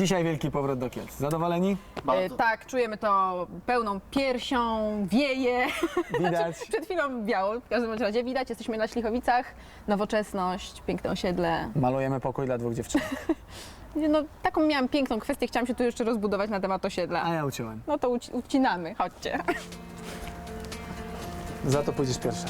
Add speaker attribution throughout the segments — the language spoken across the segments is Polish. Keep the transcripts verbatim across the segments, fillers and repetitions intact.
Speaker 1: Dzisiaj wielki powrót do Kielc. Zadowoleni?
Speaker 2: E, tak, czujemy to pełną piersią, wieje.
Speaker 1: Widać.
Speaker 2: Przed chwilą wiało, w każdym razie widać, jesteśmy na Ślichowicach, nowoczesność, piękne osiedle.
Speaker 1: Malujemy pokój dla dwóch dziewczyn.
Speaker 2: No, taką miałam piękną kwestię, chciałam się tu jeszcze rozbudować na temat osiedla.
Speaker 1: A ja uciąłem.
Speaker 2: No to uci ucinamy, chodźcie.
Speaker 1: Za to pójdziesz pierwsza.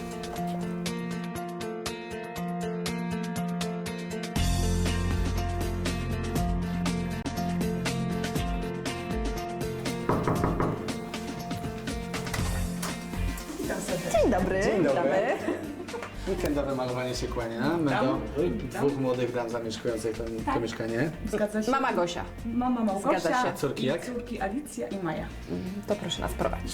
Speaker 2: Dzień dobry.
Speaker 1: Dzień dobry.
Speaker 2: Witamy.
Speaker 1: Weekendowe malowanie się kłania. My do dwóch młodych dam zamieszkujących to, to mieszkanie.
Speaker 3: Zgadza się.
Speaker 2: Mama Gosia.
Speaker 3: Mama Małgosia.
Speaker 2: Zgadza się.
Speaker 1: Córki
Speaker 3: i
Speaker 1: jak?
Speaker 3: Córki Alicja i Maja.
Speaker 2: To proszę nas prowadzić.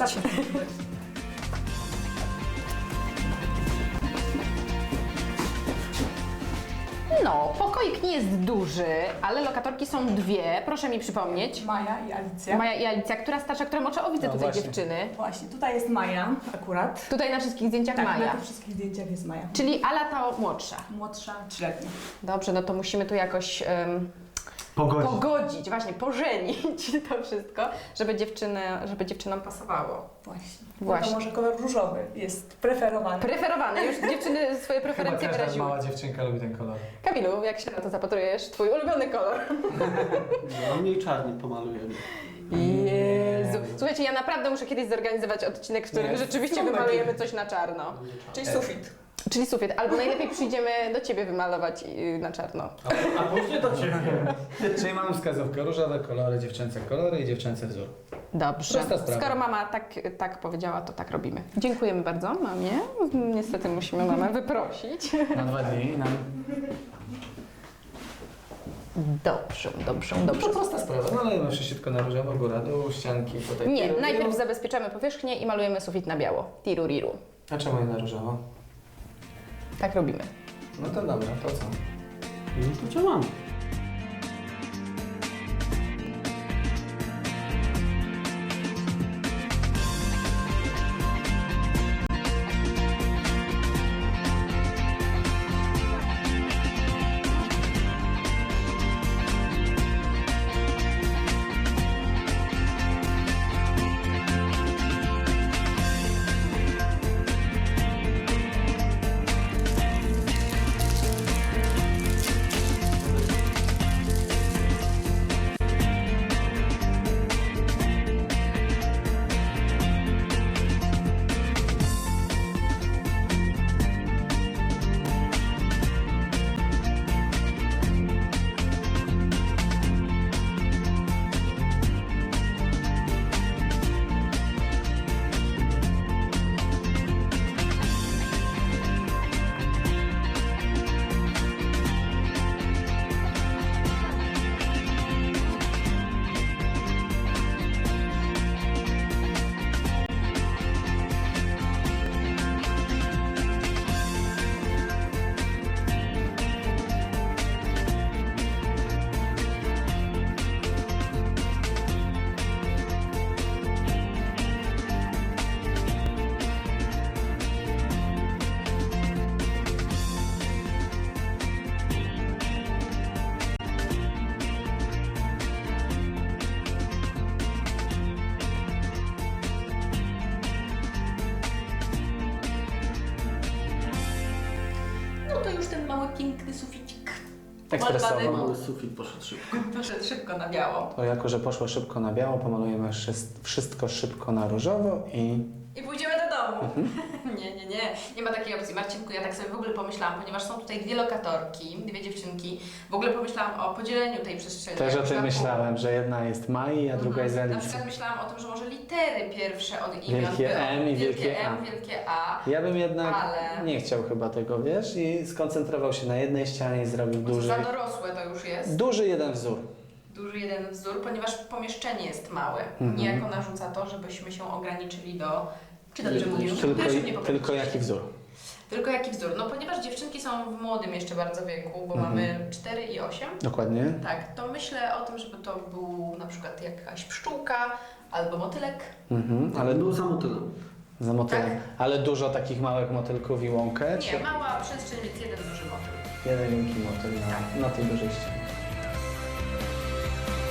Speaker 2: No, pokoik nie jest duży, ale lokatorki są dwie. Proszę mi przypomnieć.
Speaker 3: Maja i Alicja.
Speaker 2: Maja i Alicja, która starsza, która może o widzę
Speaker 1: No
Speaker 2: tutaj
Speaker 1: właśnie.
Speaker 2: dziewczyny.
Speaker 3: Właśnie, tutaj jest Maja akurat.
Speaker 2: Tutaj na wszystkich zdjęciach
Speaker 3: Tak, na
Speaker 2: Maja.
Speaker 3: tych wszystkich zdjęciach jest Maja.
Speaker 2: Czyli Ala ta młodsza.
Speaker 3: Młodsza, trzyletnia.
Speaker 2: Dobrze, no to musimy tu jakoś um,
Speaker 1: Pogodzić.
Speaker 2: pogodzić, właśnie pożenić to wszystko, żeby, dziewczyny, żeby dziewczynom pasowało.
Speaker 3: Właśnie.
Speaker 2: Właśnie.
Speaker 3: No to może kolor różowy jest preferowany.
Speaker 2: Preferowane, już dziewczyny swoje preferencje wyraziły.
Speaker 1: dziewczynka lubi ten kolor.
Speaker 2: Kamilu, jak się na to zapatrujesz? Twój ulubiony kolor.
Speaker 4: No mniej czarny pomalujemy.
Speaker 2: Jezu. Słuchajcie, ja naprawdę muszę kiedyś zorganizować odcinek, w którym
Speaker 1: Nie,
Speaker 2: rzeczywiście
Speaker 1: są
Speaker 2: wymalujemy coś na czarno.
Speaker 3: Czyli sufit.
Speaker 2: Czyli sufit, albo najlepiej przyjdziemy do Ciebie wymalować yy, na czarno.
Speaker 4: A, a później do ciebie.
Speaker 1: Czyli mamy wskazówkę. Różowe kolory, dziewczęce kolory i dziewczęcy wzór.
Speaker 2: Dobrze.
Speaker 1: Prosta sprawa.
Speaker 2: Skoro mama tak, tak powiedziała, to tak robimy. Dziękujemy bardzo mamie. Niestety musimy mamę wyprosić.
Speaker 1: Na dwa dni nam...
Speaker 2: Dobrze, dobrze,
Speaker 1: To
Speaker 2: dobrze.
Speaker 1: prosta sprawa. Malujemy wszystko na różowo, góra, dół, ścianki, tutaj.
Speaker 2: Nie,
Speaker 1: tiru,
Speaker 2: najpierw
Speaker 1: tiru.
Speaker 2: zabezpieczamy powierzchnię i malujemy sufit na biało. Tiru, riru.
Speaker 1: A czemu nie na różowo?
Speaker 2: Tak robimy.
Speaker 1: No to dobra, to co?
Speaker 4: No to działamy.
Speaker 3: No to już ten mały, piękny suficik.
Speaker 1: Ekspresowo.
Speaker 4: Mały sufit poszedł szybko.
Speaker 2: Poszedł szybko na biało.
Speaker 1: To jako, że poszło szybko na biało, pomalujemy wszystko szybko na różowo i...
Speaker 2: I pójdziemy do domu. Nie, nie, nie. Nie ma takiej opcji. Marcinku, ja tak sobie w ogóle pomyślałam, ponieważ są tutaj dwie lokatorki, dwie dziewczynki. W ogóle pomyślałam o podzieleniu tej przestrzeni.
Speaker 1: Też o
Speaker 2: Jak
Speaker 1: tym
Speaker 2: na pół.
Speaker 1: myślałem, że jedna jest Mai, a druga jest
Speaker 2: Na
Speaker 1: Alicja.
Speaker 2: przykład myślałam o tym, że może litery pierwsze od imion
Speaker 1: Wielkie
Speaker 2: były.
Speaker 1: M i wielkie
Speaker 2: M,
Speaker 1: A.
Speaker 2: wielkie A.
Speaker 1: Ja bym jednak
Speaker 2: Ale-
Speaker 1: nie chciał chyba tego, wiesz, i skoncentrował się na jednej ścianie i zrobił duży,
Speaker 2: Za dorosłe to już jest.
Speaker 1: duży jeden wzór.
Speaker 2: Duży jeden wzór, ponieważ pomieszczenie jest małe.
Speaker 1: Mhm.
Speaker 2: Niejako narzuca to, żebyśmy się ograniczyli do... Czy dobrze mówię?
Speaker 1: Tylko,
Speaker 2: Proszę mnie poprawić.
Speaker 1: tylko jaki wzór?
Speaker 2: Tylko jaki wzór? No ponieważ dziewczynki są w młodym jeszcze bardzo wieku, bo
Speaker 1: Mhm.
Speaker 2: mamy cztery i osiem.
Speaker 1: Dokładnie.
Speaker 2: Tak, to myślę o tym, żeby to był na przykład jakaś pszczółka albo motylek.
Speaker 1: Mhm, ale
Speaker 4: Był za motylem.
Speaker 1: za motylem.
Speaker 2: Tak.
Speaker 1: Ale dużo takich małych motylków i łąkę?
Speaker 2: Nie, mała przestrzeń, więc jeden duży motyl.
Speaker 1: Jeden wielki motyl na,
Speaker 2: Tak.
Speaker 1: na tej dużej ścianie.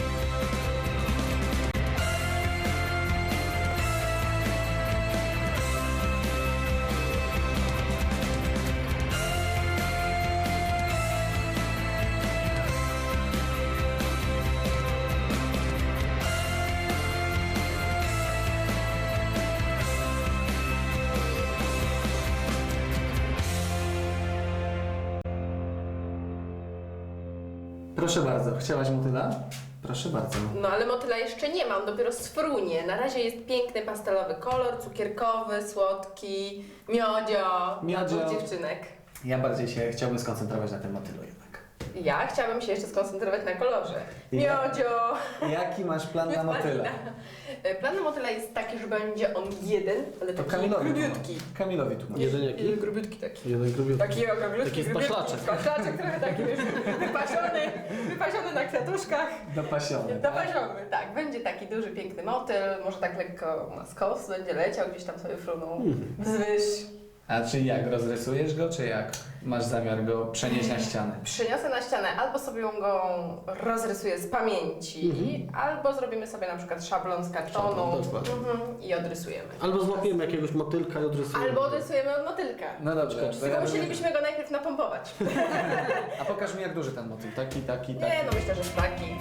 Speaker 1: Proszę bardzo, chciałaś motyla? Proszę bardzo.
Speaker 2: No ale motyla jeszcze nie mam, dopiero sfrunie. Na razie jest piękny pastelowy kolor, cukierkowy, słodki, miodzio,
Speaker 1: Miodzio.
Speaker 2: dla dwóch dziewczynek.
Speaker 1: Ja bardziej się chciałbym skoncentrować na tym motylu jednak.
Speaker 2: Ja chciałabym się jeszcze skoncentrować na kolorze.
Speaker 1: Ja-
Speaker 2: Miodzio!
Speaker 1: Jaki masz plan na motyla?
Speaker 2: E, Plan na motyla jest taki, że będzie on jeden, ale
Speaker 1: To
Speaker 2: taki
Speaker 1: Kamilowi
Speaker 2: grubiutki.
Speaker 1: tłumacz. Kamilowi tłumacz.
Speaker 4: Jeden jaki?
Speaker 2: Jeden grubiutki taki.
Speaker 4: Jeden grubiutki.
Speaker 2: Taki okroglutki,
Speaker 4: Taki
Speaker 2: grubiutki,
Speaker 4: spaślaczek.
Speaker 2: spaślaczek trochę taki, wiesz, wypasiony, wypasiony na kwiatuszkach.
Speaker 1: Dopasiony, tak?
Speaker 2: Dopasiony, tak. Będzie taki duży, piękny motyl, może tak lekko na skos będzie leciał, gdzieś tam sobie frunął
Speaker 1: Mhm.
Speaker 2: wzwyż.
Speaker 1: A czy jak, rozrysujesz go, czy jak masz zamiar go przenieść na ścianę?
Speaker 2: Przyniosę na ścianę, albo sobie go rozrysuję z pamięci, albo zrobimy sobie na przykład szablon z kartonu
Speaker 4: Szablon, dokładnie.
Speaker 2: mhm, i odrysujemy.
Speaker 4: Albo złapiemy jakiegoś motylka i odrysujemy.
Speaker 2: Albo odrysujemy od motylka.
Speaker 1: No dobrze. to
Speaker 2: Tylko
Speaker 1: ja
Speaker 2: musielibyśmy go najpierw napompować.
Speaker 1: A pokaż mi jak duży ten motyl. Taki, taki, taki.
Speaker 2: Nie, no myślę, że taki.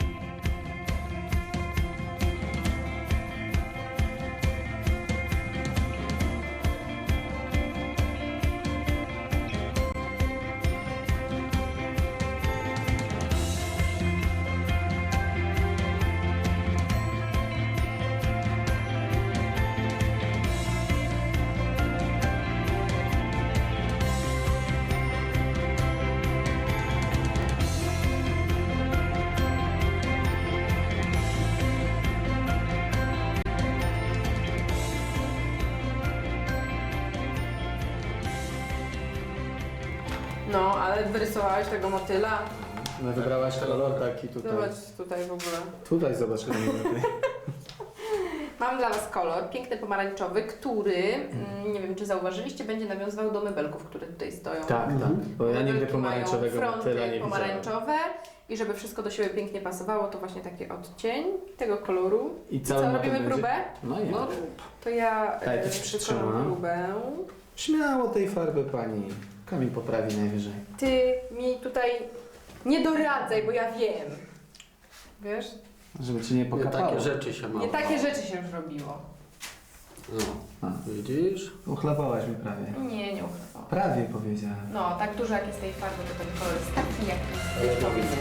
Speaker 2: No, ale wyrysowałeś tego motyla.
Speaker 1: No wybrałaś kolor taki tutaj.
Speaker 2: Zobacz tutaj w ogóle.
Speaker 1: Tutaj zobacz kolor.
Speaker 2: Mam dla Was kolor piękny pomarańczowy, który, mm, nie wiem czy zauważyliście, będzie nawiązywał do mebelków, które tutaj stoją.
Speaker 1: Tak, tak. Bo ja nigdy
Speaker 2: Mebelki
Speaker 1: pomarańczowego
Speaker 2: mają
Speaker 1: motyla
Speaker 2: fronty
Speaker 1: nie widziałem.
Speaker 2: pomarańczowe i żeby wszystko do siebie pięknie pasowało, to właśnie taki odcień tego koloru.
Speaker 1: I
Speaker 2: I
Speaker 1: cały
Speaker 2: co,
Speaker 1: motyl
Speaker 2: robimy
Speaker 1: będzie-
Speaker 2: próbę?
Speaker 1: No i
Speaker 4: No,
Speaker 2: To ja
Speaker 1: Daj,
Speaker 2: e,
Speaker 1: to ci
Speaker 2: przytrzymam
Speaker 1: przytrzymam.
Speaker 2: próbę.
Speaker 1: Śmiało tej farby pani. Kamil poprawi najwyżej.
Speaker 2: Ty mi tutaj nie doradzaj, bo ja wiem. Wiesz?
Speaker 1: Żeby ci nie
Speaker 4: nie
Speaker 1: pokapało.
Speaker 4: takie rzeczy się ma.
Speaker 2: Nie takie rzeczy się już robiło.
Speaker 4: No.
Speaker 1: A.
Speaker 4: Widzisz?
Speaker 1: Uchlapałaś mi prawie.
Speaker 2: Nie, nie uchwałam.
Speaker 1: Prawie powiedziałem.
Speaker 2: No, tak dużo jak jest tej farby, to ten kolor jest taki, jaki jest powinien.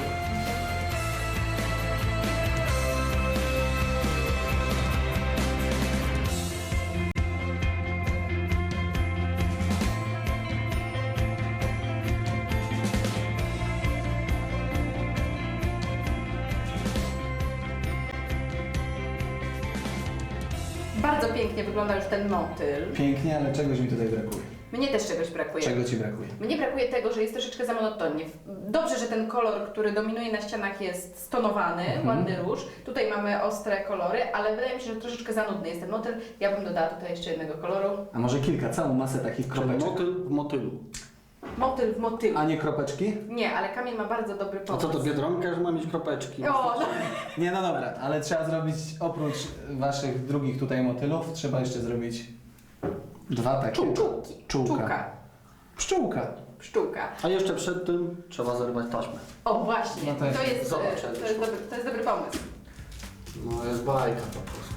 Speaker 2: Bardzo pięknie wygląda już ten motyl.
Speaker 1: Pięknie, ale czegoś mi tutaj brakuje.
Speaker 2: Mnie też czegoś brakuje.
Speaker 1: Czego ci brakuje?
Speaker 2: Mnie brakuje tego, że jest troszeczkę za monotonnie. Dobrze, że ten kolor, który dominuje na ścianach jest stonowany,
Speaker 1: Mhm.
Speaker 2: ładny róż. Tutaj mamy ostre kolory, ale wydaje mi się, że troszeczkę za nudny jest ten motyl. Ja bym dodała tutaj jeszcze jednego koloru.
Speaker 1: A może kilka, całą masę takich
Speaker 4: Czyli
Speaker 1: kropeczek.
Speaker 4: motyl w motylu.
Speaker 2: Motyl w motylu.
Speaker 1: A nie kropeczki?
Speaker 2: Nie, ale Kamil ma bardzo dobry
Speaker 4: A
Speaker 2: pomysł.
Speaker 4: co to Biedronka, że ma mieć kropeczki?
Speaker 2: O, no.
Speaker 1: Nie, no dobra, ale trzeba zrobić, oprócz waszych drugich tutaj motylów, trzeba jeszcze zrobić dwa takie.
Speaker 2: Czułki.
Speaker 1: Czułka.
Speaker 2: Czułka.
Speaker 1: Pszczółka.
Speaker 2: Pszczółka.
Speaker 4: A jeszcze przed tym trzeba zerwać taśmę.
Speaker 2: O, właśnie.
Speaker 1: No to jest-
Speaker 2: to, jest,
Speaker 4: zobacz,
Speaker 2: e, to, jest dobry, to jest dobry pomysł.
Speaker 4: No jest bajka po prostu.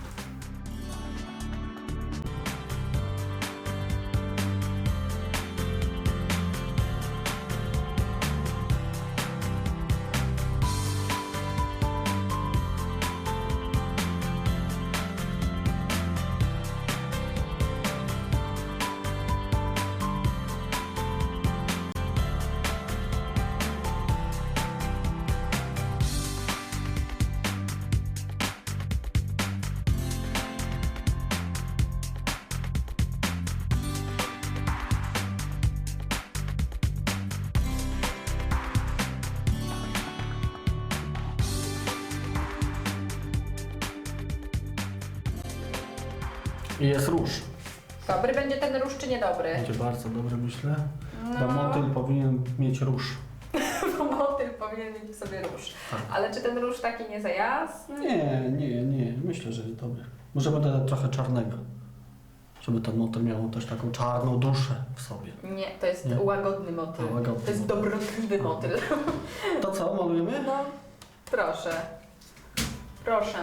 Speaker 4: I jest róż.
Speaker 2: Dobry będzie ten róż, czy niedobry?
Speaker 4: Będzie bardzo dobry, myślę. Bo
Speaker 2: No.
Speaker 4: motyl powinien mieć róż.
Speaker 2: Bo motyl powinien mieć w sobie róż. Ale czy ten róż taki nie za jasny?
Speaker 4: Nie, nie, nie. Myślę, że jest dobry. Może będę dać trochę czarnego. Żeby ten motyl miał też taką czarną duszę w sobie.
Speaker 2: Nie, to jest
Speaker 4: Nie.
Speaker 2: łagodny motyl.
Speaker 4: A, łagodny
Speaker 2: To jest
Speaker 4: motyl.
Speaker 2: dobrotliwy
Speaker 4: A.
Speaker 2: motyl.
Speaker 4: To co, malujemy?
Speaker 2: No, proszę. Proszę.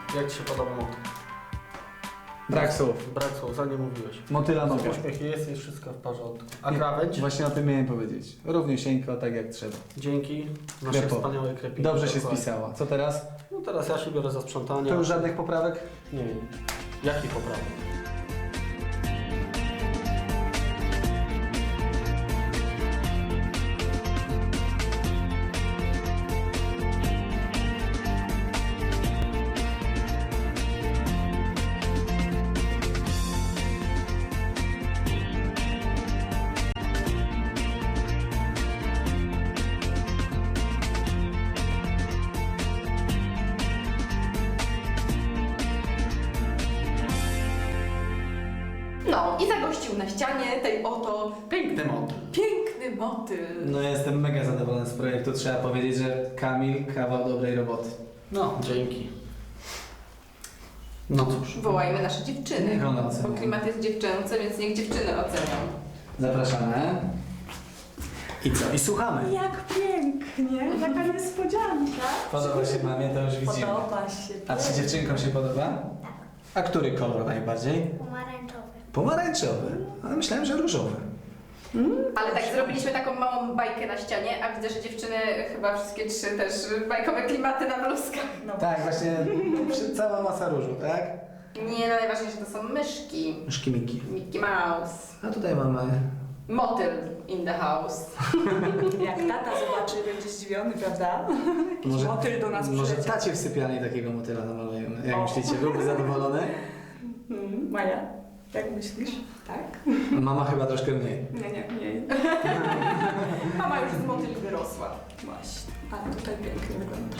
Speaker 4: Jak Ci się podoba motyl?
Speaker 1: Brak słów.
Speaker 4: Brak słów, za nie mówiłeś.
Speaker 1: Motyla nogę.
Speaker 4: Uśmiech jest, jest wszystko w porządku. A krawędź?
Speaker 1: Właśnie o tym miałem powiedzieć. Równiusieńko, tak jak trzeba.
Speaker 4: Dzięki naszej
Speaker 1: Krepo.
Speaker 4: wspaniałej krepie.
Speaker 1: Dobrze się spisała. Co teraz?
Speaker 4: No teraz ja się biorę za sprzątanie.
Speaker 1: To już żadnych poprawek?
Speaker 4: Nie wiem. Jaki poprawek?
Speaker 2: No i zagościł na ścianie tej oto
Speaker 4: Piękny motyl.
Speaker 2: piękny motyl.
Speaker 1: No jestem mega zadowolony z projektu. Trzeba powiedzieć, że Kamil kawał dobrej roboty.
Speaker 4: No, dzięki. No cóż.
Speaker 2: Wołajmy nasze dziewczyny,
Speaker 1: Niech one ocenią.
Speaker 2: bo klimat jest dziewczęcy, więc niech dziewczyny ocenią.
Speaker 1: Zapraszamy. I co? I słuchamy.
Speaker 3: Jak pięknie, jaka niespodzianka.
Speaker 1: Podoba się mamie, to już widzimy.
Speaker 3: Podoba się.
Speaker 1: A czy dziewczynkom się podoba? A który kolor najbardziej?
Speaker 5: Pomarańczowy.
Speaker 1: Pomarańczowy. Ale myślałem, że różowy.
Speaker 2: Ale tak, zrobiliśmy taką małą bajkę na ścianie, a widzę, że dziewczyny chyba wszystkie trzy też bajkowe klimaty na bluzkach.
Speaker 3: No.
Speaker 1: Tak, właśnie przy- cała masa różu, tak?
Speaker 2: Nie, no najważniejsze to są myszki.
Speaker 1: Myszki Miki.
Speaker 2: Mickey Mouse.
Speaker 1: A tutaj mamy...
Speaker 2: Motyl in the house.
Speaker 3: Jak tata zobaczy, będzie zdziwiony, prawda? Jakiś
Speaker 1: Może-
Speaker 3: motyl do nas
Speaker 1: Może
Speaker 3: przyleciał.
Speaker 1: tacie w sypialni takiego motyla namalujemy. Jak
Speaker 3: O.
Speaker 1: myślicie, byłby zadowolony?
Speaker 3: Mm, Maja, jak myślisz? Tak?
Speaker 1: Mama chyba troszkę mniej.
Speaker 3: Nie, nie, nie.
Speaker 2: Mama już z motyli wyrosła.
Speaker 3: Właśnie. A tutaj pięknie wygląda.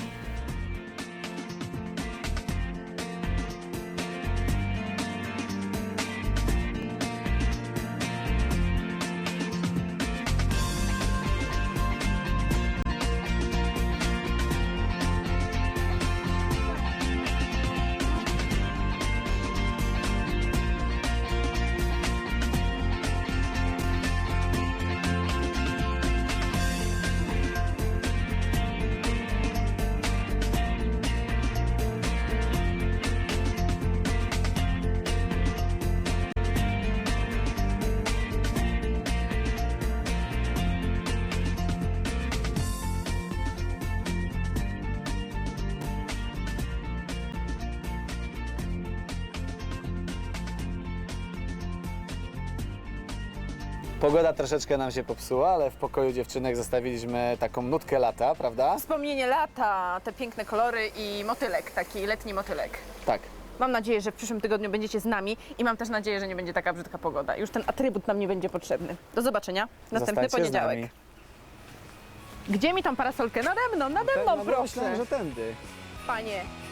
Speaker 1: Pogoda troszeczkę nam się popsuła, ale w pokoju dziewczynek zostawiliśmy taką nutkę lata, prawda?
Speaker 2: Wspomnienie lata, te piękne kolory i motylek, taki letni motylek.
Speaker 1: Tak.
Speaker 2: Mam nadzieję, że w przyszłym tygodniu będziecie z nami i mam też nadzieję, że nie będzie taka brzydka pogoda. Już ten atrybut nam nie będzie potrzebny. Do zobaczenia. Następny
Speaker 1: Zostańcie z
Speaker 2: poniedziałek.
Speaker 1: nami.
Speaker 2: Gdzie mi tą parasolkę? Nade mną, nade mną,
Speaker 1: No,
Speaker 2: proszę.
Speaker 1: myślałem, że tędy.
Speaker 2: Panie,